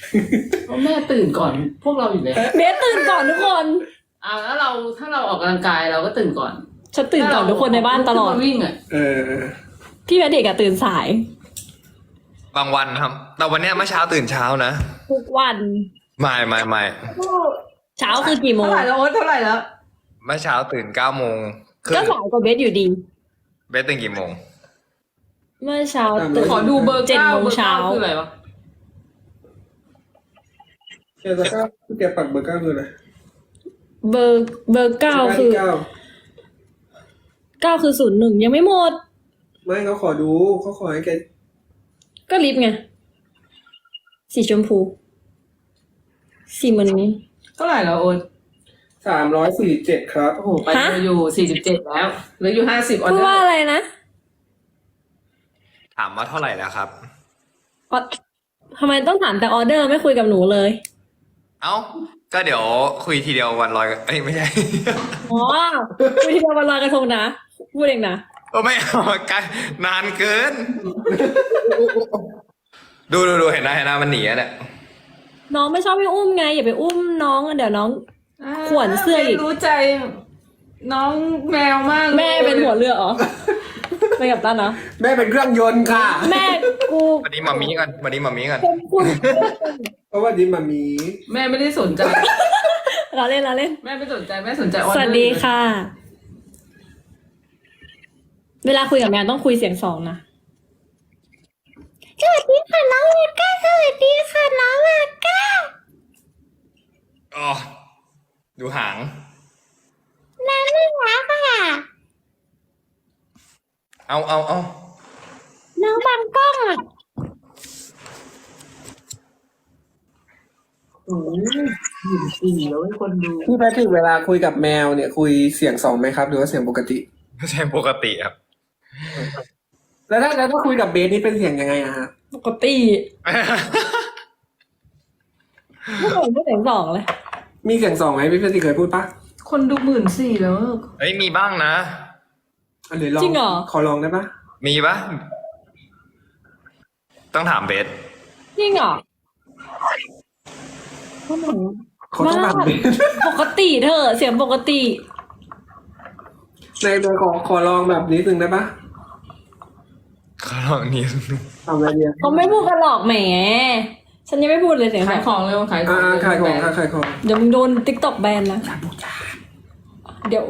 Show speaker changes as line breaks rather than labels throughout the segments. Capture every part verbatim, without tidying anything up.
เพราะแม่ตื่นก่อนพวกเราอยู่แล้ว
เบสตื่นก่อนทุกคน
อ่าแล้วเราถ้าเราออกกำลังกายเราก็ตื่นก่อน
ฉันตื่นก่อนทุกคนในบ้านตลอด
ถ้าเราวิ่งอ่ะ
เออ
พี่แพทริกอะตื่นสาย
บางวันครับ แต่วันเนี้ยเมื่อเช้าตื่นเช้านะ
ทุกวัน
ไม่ไม่ไม่
เช้าคือกี่โมง
เท่าไหร่แล้วโอ๊ตเท่าไหร่แล้ว
เมื่อเช้าตื่นเก้าโมงครึ่
ก็
ง
สายกว่าเบสอยู่ดี
เบสตื่นกี่โมง
เมื่อเช้าตื่น
ขอดูเบอร์
เจ็ด
เก้า
โมง
เบอร์
เช้า
เก้าคืออะไรวะ
แกจะก้าแกปักเบอร์เก้าคืออะไร
เบอร์เบอร์เก้าคือ
เก้า
เก้าคือศูนย์หนึ่งยังไม่หมด
ไม่เขาขอดูเขาขอให้แก
ก็ลิฟต์ไง สีชมพู สีเหมือนนี้
เท่าไหร่แล้วโอ๊ต
สามร้อยสี่สิบเจ็ดครับ
โอ้โหไปอยู่สี่สิบเจ็ดแล้วเหลืออยู่ห้าสิบออ
พูด
เดอ
ว่า
ร์
อะไรนะ
ถามว่าเท่าไหร่แล้วครับ
ออทำไมต้องถามแต่ออเดอร์ไม่คุยกับหนูเลย
เอ้า ก็เดี๋ยวคุยทีเดียววันลอยเอ้ยไม่ใช่
อ๋อคุยที่วันลอยกระทงนะ พูดเองนะ
โอ้ไม่เอาไกลนานเกิน ดูดูดูเห็นนะเห็นนะมันหนีอะเนี่ย
น้องไม่ชอบให้อุ้มไง อย่าไปอุ้มน้องเดี๋ยวน้อง ขวนเสื้ออีก
รู้ใจ น้องแมวมากลย
แม่เป็นหัวเรือเหรอ ไปกับตันเหรอ
แม่เป็นเครื่องยนต์ค่ะ
แม่กู
วันนี้มามีกันวันนี้มามีกัน
เป็นคุณ
เพราะว่าดิมามี
แม่ไม่ได้สนใจ
เราเล่นเราเล่น
แม่ไม่สนใจแม่สนใจออเดอร์
สวัสดีค่ะ เวลาคุยกับแมวต้องคุยเสียงสองนะสวัสดีค่ะน้องอาก้าสวัสดีค่ะน้องอาก้า
อ๋อ ดูหาง
น้ำไม่รักค่ะ
เอาเอาเอา
น้องบังกล้องอ่ะ
โอ้ยหมื่นสี่แล้วให้คนดู
พี่แพทริกเวลาคุยกับแมวเนี่ยคุยเสียงสองไหมครับ หรือว่าเสียงปกติ
ไม่ใช่ปกติครับ
แล้วถ้าแล้วถ้าคุยกับเบสนี่เป็นเสียงยังไงอะฮะ
ปกติไม่เคยพูดเสียงสองเลย
มีเสียงสองไหมพี่แพทริกเคยพูดปะ
คนดูหมื่นสี่แล้ว
เฮ้ยมีบ้างนะ
อันไหนลอง
จริงเหรอ
ขอลองได้ปะ
มีปะต้องถามเบส
จริงเหรอ
เขาต้องถามเบส
ปกติเธอะเสียงปกติ
ในโดยขอขอลองแบบนี้นึงได้ปะ
ขอลองนิดนึง
ทำอะไรเนี่ย
เขาไม่พูดกันหรอกแหม ฉันยังไม่พูดเลยเสียงส
ขา
อย ง
ของเร็วขายขอ
อ่าง ขายของค่ะขายของ
เดี๋ยวมึงโดนติ๊กต็อกแบนนะเดี๋ยว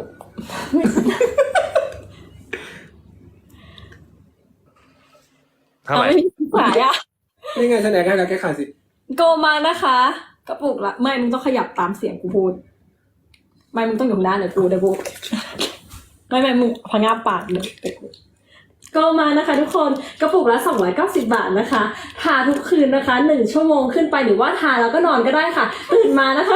เท่าไหร่
เอาไม่มีขายอ่ะ
นี่ไงแสดงให้แล้วแกขายสิ
โกมานะคะ กระปุกละไม่มึงต้องขยับตามเสียงกูพูด ไม่มึงต้องอยู่ข้างหน้าเดี๋ยวกูเดี๋ยวกูไม่ไม่มึงพะงาบปากเลยโกมานะคะ ทุกคนกระปุกละสองร้อยเก้าสิบบาทนะคะ ทาทุกคืนนะคะหนึ่งชั่วโมงขึ้นไปหรือว่าทาแล้วก็นอนก็ได้ค่ะ ตื่นมานะคะ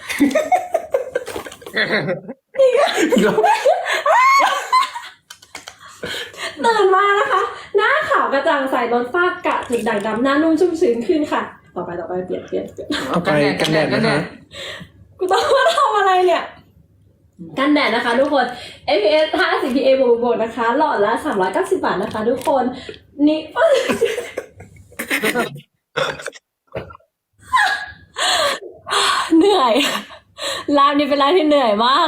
ตื่นมานะคะ หน้าขาวกระจ่างใสลดฝ้ากระจุดด่างดำหน้านุ่มชุ่มชื้นขึ้นค่ะ ต่อไปต่อไปเปลี่ยนเปลี่ยนเปลี่ยน
เอาไปกันแดดนะคะ
กูต้องมาทำอะไรเนี่ย กันแดดนะคะทุกคน เอฟ พี เอส ห้าสิบ พี เอ บวกบวกนะคะ หลอดละสามร้อยเก้าสิบบาทนะคะ ทุกคน นี่ เหนื่อยร้านนี้เป็นร้านที่เหนื่อยมาก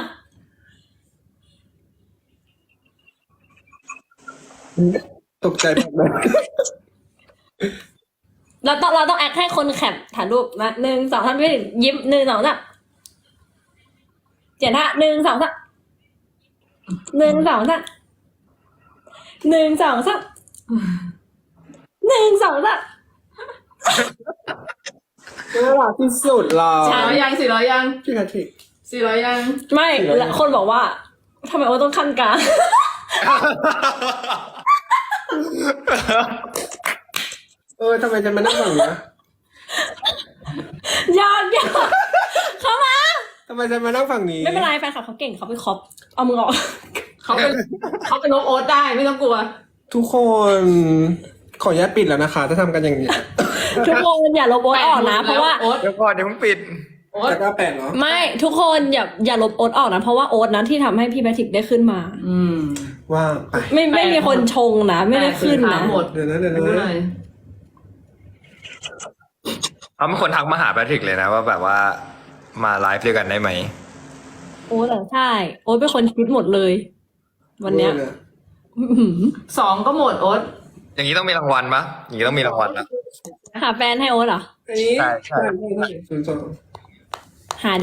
ตกใจแบบนั้น
เราต้องเราต้องแอคให้คนแคปถ่ายรูปนะหนึ่งสองสามพี่ยิ้มหนึ่งสองสามเจ็ดห้าหนึ่งสองสามหนึ่งสองสามหนึ่งสองสามหนึ่งสองสาม
น่ารักที่สุดหรอ
สี่ร้อยยังสี่ร้อยยัง
พี่แพทริก
สี่ร้อยยัง
ไม่แล้วคนบอกว่าทำไมโอ้ต้องขั้นกลาง
เออทำไมจะมานั่งฝั่งนี้นะ
ยากยากเข้ามา
ทำไมจะมานั่งฝั่งนี้
ไม่เป็นไรแฟนคลับเขาเก่งเขาไปคอปเอามือออก
เขาเป็นเขาเป็นลบโอ๊ตได้ไม่ต้องกลัว
ทุกคน ขออนุญาตปิดแล้วนะคะ ถ้าทำกันอย่างนี้
ทุกคนอย่าลบโอ๊ตออกนะ เพราะว่า
โอ๊ต
เดี๋ยวก่อนเดี๋ยวเพิ่งปิด
โอ๊ต
แต่ก็แปดเหรอ
ไม่ทุกคนอย่าอย่าลบโอ๊ตออกนะเพราะว่าโอ๊ตนั้นที่ทำให้พี่แพทริกได้ขึ้นมา
อืม
ว่าไป
ไม่ไม่มีคนชงนะไม่ได้ขึ้นนะ
หมด
เดี๋ยวนะเดี๋ยว
รู้เล
นะ
ย
เขาเป็นคนทักมาหาแพทริกเลยนะว่าแบบว่ามาไลฟ์ด้วยกันได้ไหม
โอ๊ตเหรอใช่โอ๊ตเป็นคนคิดหมดเลย วันเนี้ยอื้อหือ
สองก็หมดโอ๊ต
อย่างนี้ต้องมีรางวัลปะอย่างนี้ต้องมีรางวัลนะ
หาแฟนให้โอ๊ตเหรอ
อันนี้
ใช่ใช่
ใช่ศูนย์สอง
หาดิ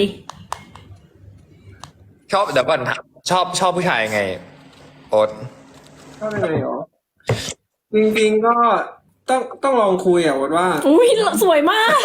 ชอบเดี๋ยวก่อนชอบชอบผู้ชายไง โอ๊ต
ก็เป็นไงหรอจริงๆก็ต้องต้องลองคุยอ่ะว่า
อุ้ยสวยมาก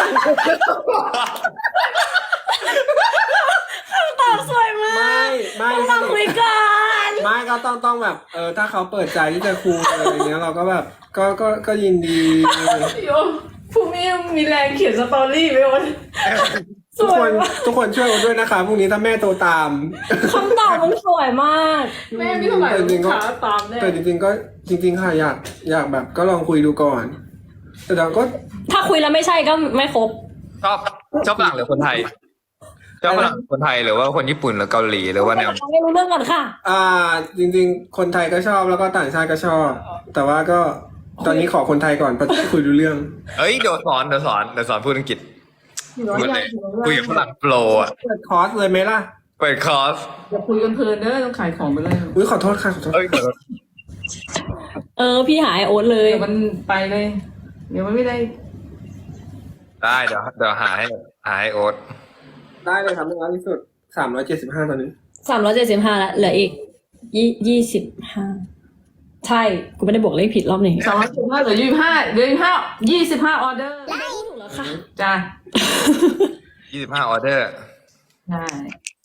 คำตอบสวยมา
ไม่
ก
ไม่
ต้องลองคุยกัน
ไม่ก็ต้องต้องแบบ เออถ้าเขาเปิดใจที่จะคุยอะไรอย่างเงี้ยเราก็แบบ ก็ก็ก็ยินดี
โยพรุ่งนี้มีแรงเขียนสตอรี่ไหมโอ๊ต
ส
ทุก
ว
ค
ย
น
มาก
ทุกคนช่วยกันด้วยนะคะพรุ่งนี้ถ้าแม่โตตาม
คำตอบมันสวยมาก
แม่ไม่เท่าไหร่ลูกค้าตามแน่
แต่จริงๆก็จริง ๆ ค่ะอยากอยากแบบก็ลองคุยดูก่อน แต่เราก็
ถ้าคุยแล้วไม่ใช่ก็ไม่ครบ
ชอบชอบฝรั่งหรือคนไทยชอบฝรั่งคนไทยหรือว่าคนญี่ปุ่นหรือเกาหลีหรือว่าแนว
ไม่รู้เรื่องก่อนค่ะ
อ่า จริง ๆ คนไทยก็ชอบแล้วก็ต่างชาติก็ชอบ แต่ว่าก็ตอนนี้ขอคนไทยก่อนเพราะคุยดูเรื่อง
เอ้ยเดี๋ยวสอนเดี๋ยวสอนเดี๋ยวสอนพูดอังกฤษ
สี่ร้อย
พูด
ยั
เล
ง
ย
สี่ร้อย
คุย
ยั
กับ
ง
ฝรั่งโปรอ่ะ
เปิดคอร์สเลยไหมล่ะ
เปิดคอร์ส
อย่าคุยกันเพลินเด้อต้องขายของไปเลย
อุ้ยขอโทษค่ะขอโทษ
เอ้ยเดี๋ยว
เออ พี่หายโอ๊ตเลย
เดี๋ยวมันไปเลย เดี๋ยวมันไม่ได้
ได้เดี๋ยวเดี๋ยวหาให้หาให้โอ๊ต
ได้เลยครับน้อยที่สุดสามร้อยเจ็ดสิบห้าตอนนี้
สามร้อยเจ็ดสิบห้าแล้วเหลืออีกยี่ยี่สิบห้าใช่ กูไม่ได้บวกเลขผิดรอบนี้
สองร้อยสิบห้าเหลือยี่สิบห้าเหลือยี่สิบห้ายี่สิบห้าออเดอร์
ถูกแล้วค่ะ
จ้า
ยี่สิบห้าออเดอร์
ใช่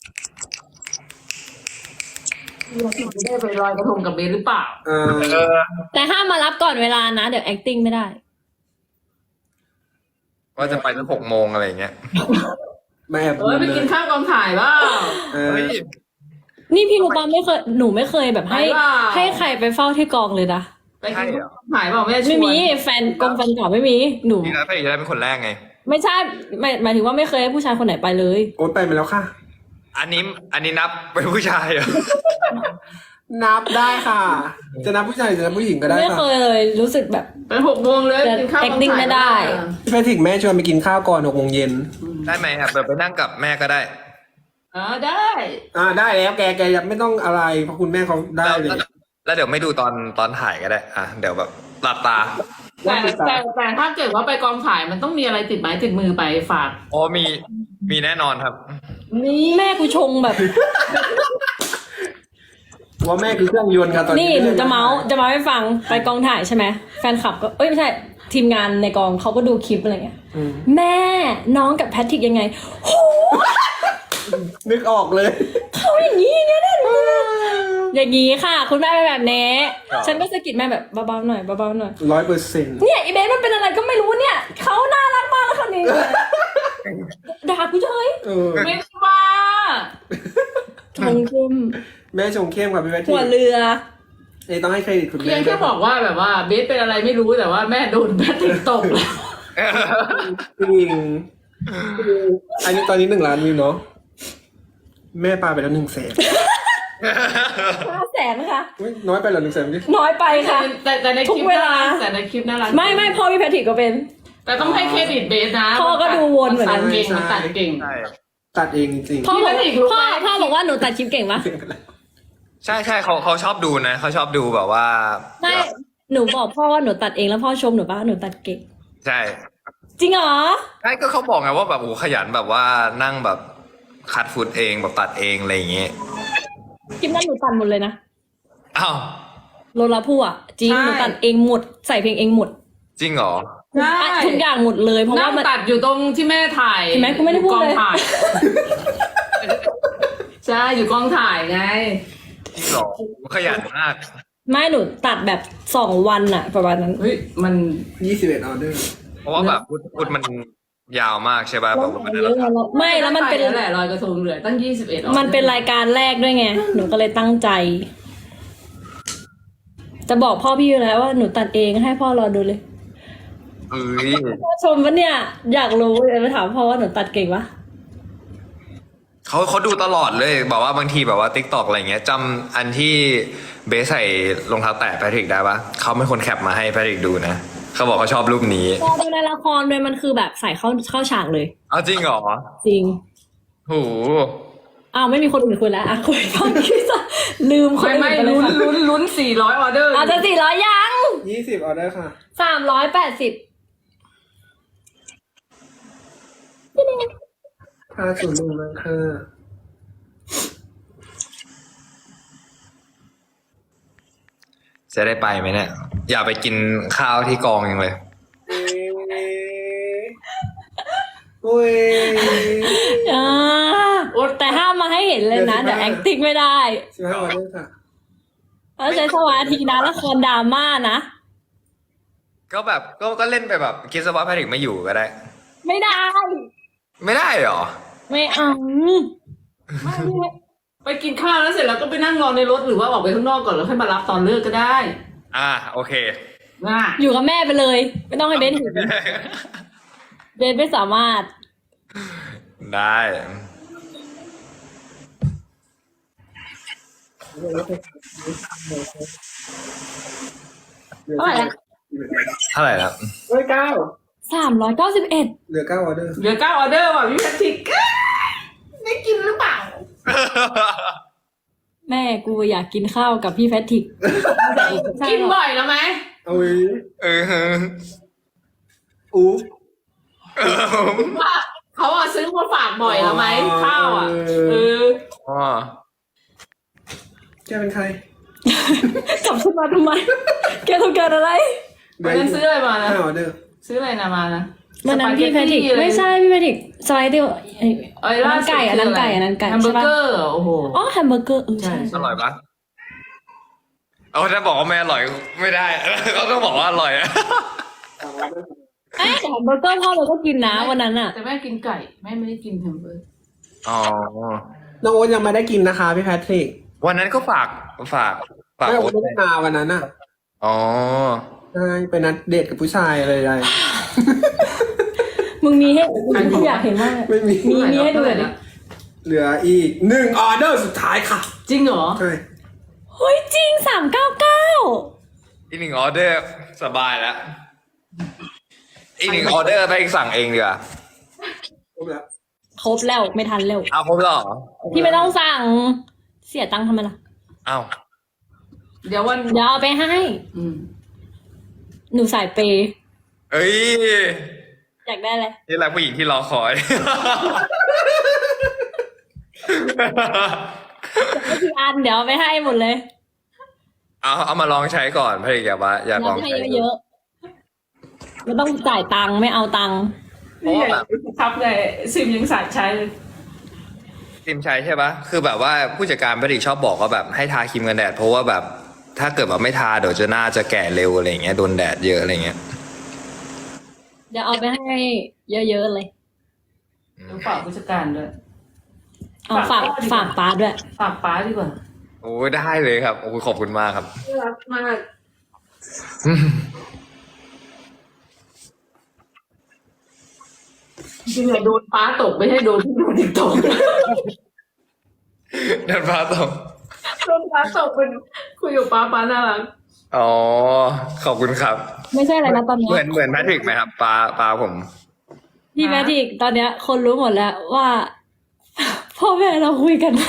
เราจะได้ไปลอยกระทงกับเบสหรือเปล่า
เออ
เออ
แต่ห้ามมารับก่อนเวลานะ เดี๋ยว acting ไม่ได้
ว่าจะไปตั้งหกโมงอะไรอย่างเงี้ย
แม่แอบ
เอ้ยไปกินข้าวกองถ่ายเปล่า
เออ
เฮ้ย
นี่พี่รู้ปะไม่เคยหนูไม่เคยแบบให้
ไปเปล่า
ให้ใครไปเฝ้าที่กองเลยนะ
ไปกินข้าวกองถ่ายเปล่าแม่ชวน
ไม่มีแฟนกองแฟนเก่าไม่มีหนู
นี่นะพี่จะได้เป็นคนแรกไง
ไม่ใช่หมายหมายถึงว่าไม่เคยให้ผู้ชายคนไหนไปเลย
โอ๊ตไปมาแล้วค่ะ
อันนี้อันนี้นับเป็นผู้ชายเหรอ
นับได้ค่ะ จะนับผู้ชายหรือจะนับผู้หญิงก็ได้
ไม่
ค่ะ
เคยเลยรู้สึกแบบ
ไปหกโมงเลย
แต่
กินข้าวกอง
acting
ถ่าย
ไม่ได้
พี่แพทริกแม่ชวนไปกินข้าวก่อนหกโมงเย็น
ได้ไหมครับเดี๋ยวไปนั่งกับแม่ก็ได้
อ๋อได้
อ่าได้แล้วแกแกยังไม่ต้องอะไรเพราะคุณแม่เขาได้
แล้ว
เลย
แล้วเดี๋ยวไม่ดูตอนตอนถ่ายก็ได้ อ่ะเดี๋ยวแบบหลับตา
แต่แต่แต่ถ้าเกิดว่าไปกองถ่ายมันต้องมีอะไรติดไม้ติดมือไปฝาก
โอ้มีมีแน่นอนครับ
นี่
แม่กูชงแบบ
ว่าแม่คือเครื่องยนต์ค่ะตอน
นี่
นี้
หนูจะเมาส์จะเมาส์ให้ฟังไปกองถ่ายใช่ไหมแฟนคลับก็เอ้ยไม่ใช่ทีมงานในกองเขาก็ดูคลิปอะไรเงี้ย
อืม
แม่น้องกับแพทริกยังไงโห
นึกออกเลย
เขาอย่างนี้อย่างเงี้ยนะอย่างนี้ค่ะ คุณแม่เป็นแบบนี้
ครับ
ฉันก็สะกิดแม่แบบเบาๆหน่อยเบาๆหน่อย
ร้อยเปอร์เซ็นต์
เนี่ยอีเบสมันเป็นอะไรก็ไม่รู้เนี่ยเขาน่ารักมากแล้วคนนี้ด่ากูเฉย
เออ
ไม่ได้ว่า
ชงเข้ม
แม่ชงเข้มกับพี่แพทริ
หัว
ก
เรือ
นี่ต้องให้เครดิตคุณ
เพี
แม่
ยงแค่บอกว่าแบบว่าเบสเป็นอะไรไม่รู้แต่ว่าแม่โดนแพทริกตบแล้ว
จริงอันนี้ตอนนี้หนึ่งล้านวิวเนาะแม่ปาไปแล้วหนึ่งแสน
ห้าแสนนะคะ
อุ๊ยน้อยไปเหรอหนึ่งแสนดิ
น้อยไปค่ะ
แต่แต่ในคลิป
ทุกเวลา
น่รักแต่ในคลิปน่ารัก
ไม่ไม่พ่อพี่แพทริกก็เป็น
แต่ต้องให้เครดิตเบสนะ
พ่อก็ดูวนเหมือนกัน
ตัดเก่งมันตัดเก่ง
ใช่
ตัดเองจริง
พ่อบอก
พี่แพทริกรู้ไหม
พ่อพ่อบอกว่าหนูตัดคลิปเก่งปะ
ใช่ใช่เขาเขาชอบดูนะเขาชอบดูแบบว่า
ไม่หนูบอกพ่อว่าหนูตัดเองแล้วพ่อชมหนูปะว่าหนูตัดเก่ง
ใช่
จริงเหรอ
ใช่ก็เขาบอกไงว่าแบบโอ้ขยันแบบว่านั่งแบบคัดฟุตเองแบบตัดเองอะไรอย่างเงี้ย
คลิปนั้นหนูตัดหมดเลยนะ
อ้าว
โลลาพู่อ่ะจริงหนูตัดเองหมดใส่เพลงเองหมด
จริงเหรอ
ใช่
อ่ะทุกอย่างหมดเลยเพราะ
นั่
ว่าง มัน
ตัดอยู่ตรงที่แม่ถ่าย
เห็นไหมกูไม่ได้พูดเลย
กองถ่ายใช่อยู่กองถ่ายไง
จริงเหรอขยันมาก
ไม่หนูตัดแบบสองวันอะประมาณนั้น
เฮ้ยมัน
ๆยี่สิบเอ็ดออเดอร์
เพราะว่าแบบฟุตฟุตมันยาวมากใช่ป่ะแบบว่ามัน
เยอะไงแล้วไม่แล้วมันเป็น
แล้วแหละลอยกระทงเหลือตั้งยี่สิบเอ็ด
มันเป็นรายการแรกด้วยไงหนูก็เลยตั้งใจ จะบอกพ่อพี่อยู่แล้วว่าหนูตัดเองให้พ่อรอดูเลย
เอ้ย
พ่อชมปะเนี่ยอยากรู้เลยไปถามพ่อว่าหนูตัดเก่งปะ
เขาเขาดูตลอดเลยบอกว่าบางทีแบบว่าติ๊กตอกอะไรเงี้ยจำอันที่เบสใส่รองเท้าแตะแพทริกได้ปะเขาเป็นคนแคปมาให้แพทริกดูนะเขาบอกเขาชอบรูปนี้
พอดูในละครเลยมันคือแบบใส่เข้าเข้าฉากเลย
เอาจริงเหรอ
จริง
โห
อ้าวไม่มีคนอื่นคุยแล้วอ่ะคุยตอนคิดซะลืมคน
ไม่
อื่น
ไม่
ไปเลย
ลุ้น
ค่ะ
ลุ้นลุ้นสี่ร้อยออเดอร์
อาจจะสี่ร้อยยัง
ยี่สิบออเดอร์ค่ะ
สามร้อยแปดสิบ
ค่าส่วนรวมมันคือ
จะได้ไปไหมเนี่ย อยากไปกินข้าวที่กองยังเลย
โอ้ย
อ่าแต่ห้ามมาให้เห็นเลยนะ
เดี๋
เดี๋
ย
ยว ว
สิบห้า
acting ไม่ได้
สิบห้าออเดอร์ค่ะ
แล้วใช้สมาธินะละครดราม่านะ
ก็แบบก็ก็เล่นไปแบบคิดซะว่าแพทริกไม่อยู่ก็ได้
ไม่ได้
ไม่ได้เหรอ
ไม่เอา
ไม่ไม่ไปกินข้าวแล้วเสร็จแล้วก็ไปนั่งรอในรถหรือว่าออกไปข้างนอกก่อนแล้วค่อยมารับตอนเลิกก็ได้
อ่าโอเค
นะ
อยู่กับแม่ไปเลย ไม่ต้องให้เบนเห็นเบนไม่สามารถ
ได้
เท่าไหร่ละ
เท่าไหร่ครับ
เฮ้ยเก้า
สามร้อยเก้าสิบเอ็ด
เหลือเก้าออเดอร์
เหลือเก้าออเดอร์ว่ะพี่แพทริกได้กินหรือเปล่า
แม่กูอยากกินข้าวกับพี่แพทริกใช่
กิน
หรอ
บ่อยแล้วไหม
เอาไว้
เออ
อู้
ว่าเขาอะซื้อมาฝากบ่อยแล้วไหมข้าวอะเออ
อ๋อ
แกเป็นใคร
กลับขึ้นมาทำไม แกต้องการอะไร
วันนั้นซื้ออะไรมานะ
ห้าออเดอร์
ซื้ออะไรนะมานะ
วันนั้นพี่แพทริก
สปาเตตี้อะ
ไม่ใช่พี่แพทริกสไลด์เดียวไอ้
เอ้ย
อัน
ล่า
นั้น
สุด
ไก่อันนั้นไก่
คืะร
อันนั้นไก่
แฮมเบอ
ใช่
ร์
ปะ
เกอร์โอ้โห
อ๋อแฮมเบอร์เกอร์เออใช่
ใช่
อร่อยปะเอาถ้าบอกว่าไม่อร่อยไม่ได้ เขาต้องบอกว่าอร่อย
เอ้ยแต่แฮมเบอร์เกอร์พ่อเราก็กินนะวันนั้นอ่ะ
แต่แม่กินไก่แม่ไม่ได้กินแฮมเบอร์เกอร์
อ๋อ
น้องโอ๊ตยังไม่ได้กินนะคะพี่แพทริก
วันนั้นก็ฝากฝากฝาก
ไม่โอ๊
โอ๊
ต
ต
ไม่ได้มาวันนั้นอ่ะ
อ๋อ
ใช่ไปนัดเดทกับผู้ชายอะไรใด
มึงมีให้กูอยากเห็นมาก
ไม่มี
มีมีให้ดูหน่อยดิ
เหลืออีกหนึ่งออเดอร์สุดท้ายค่ะ
จริงเหรอ
ใช่
เฮ้ยจริงสามเก้าเก้า
อีกหนึ่งออเดอร์สบายแล้ว อีกหนึ่งออเดอร์ไปสั่งเองดีกว่า
ครบแล้ว
ครบแล้วไม่ทันแล้ว
เอาครบแล้วเหรอ
พี่ไม่ต้องสั่ง เสียตังค์ทำไมล่ะ
เอา
เดี๋ยววัน
เดี๋ยวเอาไปให้
อืม
หนูสายเปย์
เอ้ย
อยากได้อะไร
นี่แหละผู้หญิงที่รอคอย
ไม่กี่อันเดี๋ยวเอาไปให้หมดเลย
เอาเอามาลองใช้ก่อนพระเอกอย่าว่าอยากล
เรา
อง
ให้
ใช้
เยอะๆไม่ต้องจ่ายตังค์ไม่เอาตังค์
เพราะว่าแบบ
ครับไงซิมยังสายใช้เลย
ครีมใช้ใช่ปะคือแบบว่าผู้จัดการพระเอกชอบบอกว่าแบบให้ทาครีมกันแดดเพราะว่าแบบถ้าเกิดแบบไม่ทาเดี๋ยวจะหน้าจะแก่เร็วอะไรอย่างเงี้ยโดนแดดเยอะอะไรเงี้ย
เดี๋ยวเอาไปให้เยอะๆเลย
ต้องฝากผู้จัดการด้วย
เอาฝากฝากป้าด้วย
ฝากป้าดีกว่า
โอ้ยได้เลยครับโอ้ยขอบคุณมากครับ
น่ารักมากจริงๆโดนป้าตกไม่ใช่โดนที่โดนติ๊กตก
เดินพาตรง
โดนป้าตกเป็นคุยกับป้าป้าน่ารัก
อ๋อขอบคุณครับ
ไม่ใช่อะไรนะตอนเนี้
เหมือย นเหมือนแพทริกไหมครับปลาปลาผม
พี่แมทิกตอนเนี้ย คนรู้หมดแล้วว่า พ่อแม่เราคุยกัน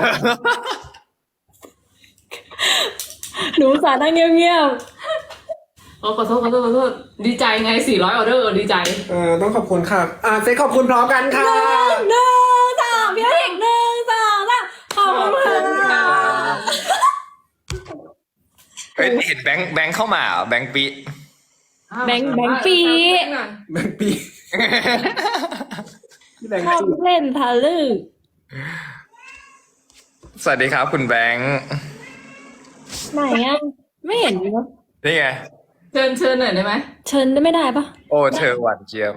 หนูสานั่งเงียบ
อ๋อขอโทษขอโทษขอโทษดีใจไงสี่ร้อยออเดอร์ดีใจ
เออต้องขอบคุณค่ะ อ่าเซ็กขอบคุณพร้อมกันค่ะ
ๆหนึ่งสองพี่แมทิกหนึ่งสองสามขอบคุณค่ะ
เฮ้ยเห็นแบงค์แบงค์เข้ามาเหรอแบงค์ปี
แบงค์แบงค์ปี
แบงค์ปีพี่แบงค์
ชอบ
ปี
เล่นทะลึ่ง
สวัสดีครับคุณแบงค์
ไหนอ่ะไม่เห็นเลยเนอะ
นี่ไง
เชิญเชิญหน่อยได้ไหม
เชิญได้ไม่ได้ปะ
โอ้เธอหวานเจี๊ยบ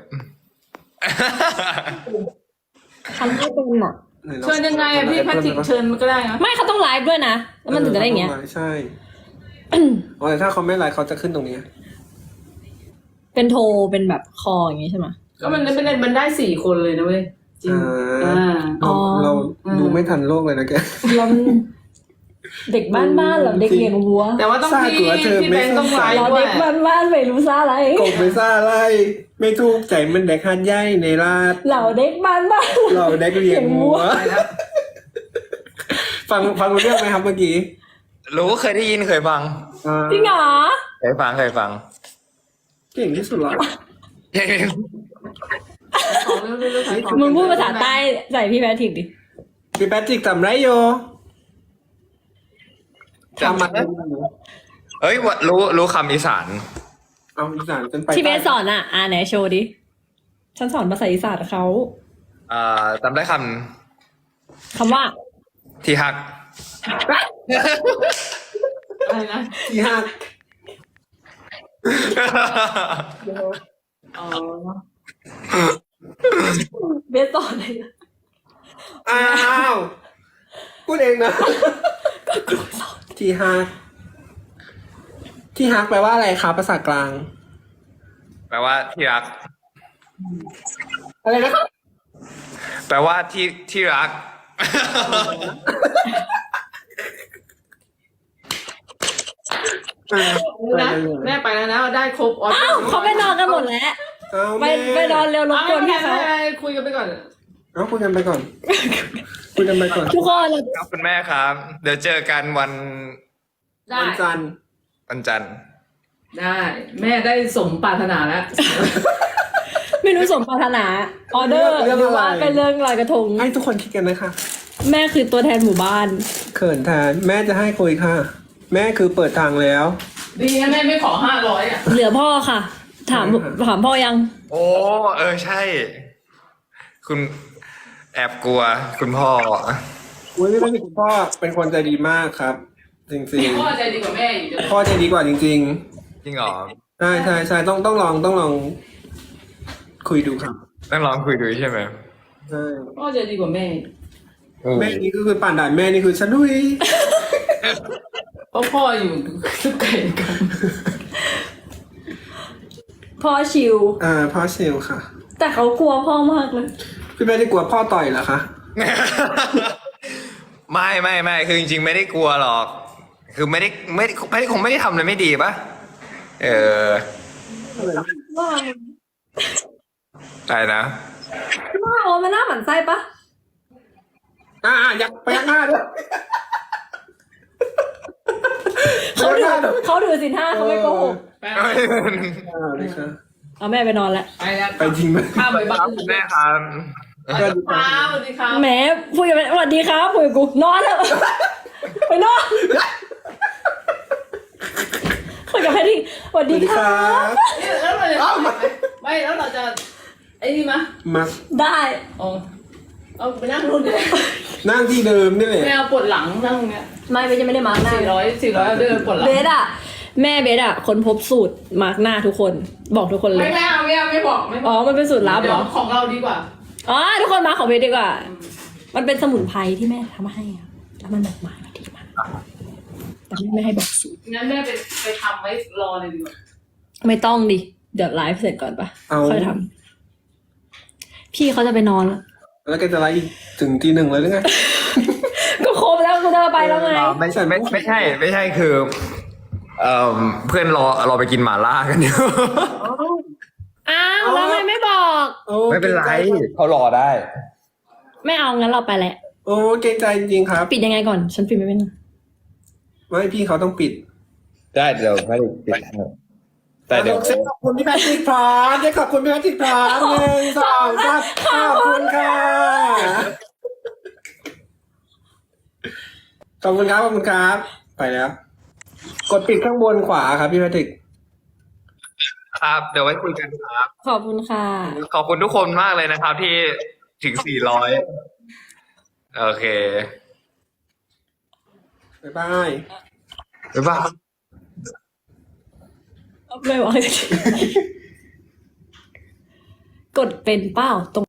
ทำไม่เป็นอ่ะ
ไหนลอ
เชิญยังไงอะพี่แพทริกเชิญมันก็ได้นะ
ไม่เขาต้องไลฟ์ด้วยนะแล้วมันถึงจะได้อย่างเงี้ย
ใช่อ๋อแต่ถ้าเขาไม่ไลน์เขาจะขึ้นตรงนี้
เป็นโทรเป็นแบบคออย่างงี้ใช่ไหม
ก็มันเป็นมันได้สี่คนเลยนะเว้ยจริง
อ่า
อ่า
เรา
อ๋อ
เรา
อืม
ดูไม่ทันโลกเลยนะแก
แล้วเด็กบ้านบ้านๆเหรอเด็กเลี้ยงวัว
แต่ว่าต้องพี่พี่แบงค์ต้องไลฟ์
เรา
ด้ว
เด็
ย
กบ้านบ้านๆไม่รู้ซาอะไร
กบไปซ่าไรไม่ถูกใจมันแดกหันใหญ่ในราด
เราเด็กบ้านบ้าน
เราแดกเรียงหัว
ไปแล้ว
ฟังฟังรู้เรื่องไหมครับเมื่อกี้
รู้เคยได้ยินเคยฟัง
อ่า
จริงเหรอ
เคยฟังเคยฟัง
เก่งที่สุดละ
ของเรื่องเรื่องขายของ
มึงพูดภาษาใต้ใส่พี่แพทริกดิ
พี่แพทริกทำไรโยทำมา
เอ้ยวะรู้รู้คำอีสาน
เอาอีสานจนไป
ที่เบสสอนอ่ะ อ่าไหนโชว์ดิ ฉันสอนภาษาอีสานเขา
อ่าจำได้ค
คำว่า
ำที่ฮัก
อะไรนะ
ที่ห้า
อ๋อ
เบสสอนเลยนะ
อ้าวพูดเองนะ
ก็ครูสอน
ที่ฮักที่ฮักแปลว่าอะไรครับภาษากลาง
แปลว่าที่รัก
อะไรนะครับ
แปลว่าที่ที่รัก
นะแม่ไปแล้วนะได้ครบออ
อ้าวเขาไปนอนกันหมดแล้ว
เอา
ไป
แม่
ไปนอนเร็วรบกวนพี่เขา
คุยกันไปก่อน
เอาคุยกันไปก่อน คุยกันไปก่อน
ทุกคน
ครับคุณแม่ครับ เดี๋ยวเจอกันวัน
ได้
วันจันทร์
วันจันทร์
ได้ แม่ได้สมปรารถนาแล้ว
ไม่รู้สมปรารถนาออเดอร์หรือว่าเป็นเรื่องลอยกระทง
ให้ทุกคนคิดกันนะคะ
แม่คือตัวแทนหมู่บ้าน
เขินแทนแม่จะให้คุยค่ะ แม่คือเปิดทางแล้ว
ดีนะแม่ไม่ขอห้าร้อยอ่ะ
เหลือพ่อค่ะ ถามถามพ่อยัง
โอ้เออใช่ คุณแอบกลัว คุณพ่อ
อุ้ยไม่เป็นคุณพ่อเป็นคนใจดีมากครับ จริง
พ่อใจดีกว่าแม่อีก
ๆ พ่อใจดีกว่าจริง
จริงเหรอ
ๆ ใช่ใช่ใช่ต้องต้องลองต้องลอง คุยดูครับ
ต้องลองคุยดูใช่ไหม
ใช่
พ่อใจดีกว่าแม่
แม่นี่ก็คือป่านด่านแม่นี่คือฉันดุย
เพราะพ่ออยู่ทุกไก่กัน
พ่อชิว
อ่าพ่อเซลค่ะ
แต่เขากลัวพ่อมากเลย
พี่แม่ได้กลัวพ่อต่อยเหรอคะ
ไม่ไม่ไม่คือจริงๆไม่ได้กลัวหรอก คือไม่ได้ไม่ได้ไม่ได้คงไม่ได้ทำอะไรไม่ดีปะเออ
ว่า
อะไรนะ
ว่าโอ้มันน่าหมั่นไส้ปะ
อ่าอยากไปยักหน้าด้วย
เขาถือเขาถือสินห้าเขาไม่โกหก
ไป
อ่าเลยค่ะ
เอาแม่ไปนอนแล้ว
ไปแล้ว
ไปจริงไหม
ข้ามไปบ้าน
แม่ครับ
สวัสดีค
ค
รั
รับ บสวัสดีครับ
แหมพูดกันไปสวัสดีครับคุยกับกูนอนแล้วไปนอนคุยกับแพทริกสวัส
ส
ดี
วัสดี
ค
ค
รั
รับ บ
นี่แล้วเราจะไม่แล้วเราจะไอ้นี่มะ
มา
ได้
อ๋อเอาไปนั่งรุ่นเลย
นั่งที่เดิมนี่แหละ
แม่เอาปวดหลังนั่งเนี้ย
ไม่ไม่จะไม่ได้มาร์กหน้า
สี่ร้อยสี่ร้อยเอาเดินปวดหลัง
เบสอะแม่เบสอะคนพบสูตรมาร์กหน้าทุกคนบอกทุกคนเล
ไม่
ย
ไม่เอาไม่เอาไม่บอกไม่บ
อ๋
อ
อก มันเป็นสูตรลับเห
เดี๋
ร
ยว
อ
ของเราดีกว่า
อ๋อทุกคนมาของเบสดีกว่า มันเป็นสมุนไพรที่แม่ทำให้อะแล้วมันแบบมาดีมากแต่แม่ไม่ให้บอกสูตร
งั้นแม่ไปไปทำไว้รอเลยดีกว่า
ไม่ต้องดิเดี๋ยวไลฟ์เสร็จก่อนปะ
เอา
ค่อยทำพี่เขาจะไปนอนแล้ว
แล้วแกจะไลฟ์อีกถึงทีหนึ่งเลยหรือไง
ก็ครบแล้วกูจะไปแล้วไง
อ๋อไม่ใช่ไม่ไม่ใช่ ไม่ใช่คือเอ่อเพื่อนรอเราไปกินหม่าล่ากันอยู่
อ้าวแล้วทำไมไม่บอก
โอ้
ไม่เป็นไรเขารอได้
ไม่เอางั้นเราไปแหละ
โอ้เกรงใจจริงๆครับ
ปิดยังไงก่อน ฉันปิดไม่เป็น
ไม่พี่เขาต้องปิด
ได้เดี๋ยวไม่ได้ปิดให้แต่เดี๋ยว
เซ็ตขอบคุณพี่แพทริกพร้อมเซ็ตขอบคุณพี่แพทริกพร้อมหนึ่งสองสามขอบคุณค่ะขอบคุณครับขอบคุณครับ ไปแล้ว กดปิดข้างบนขวาครับพี่แพทริก
ครับ เดี๋ยวไว้คุยกันครับ
ขอบคุณค่ะ
ขอบคุณทุกคนมากเลยนะครับ ที่ถึงสี่ร้อยโอเค
บ๊ายบาย
บ๊ายบาย
ไม่บอก กดเป็นเป้าตรง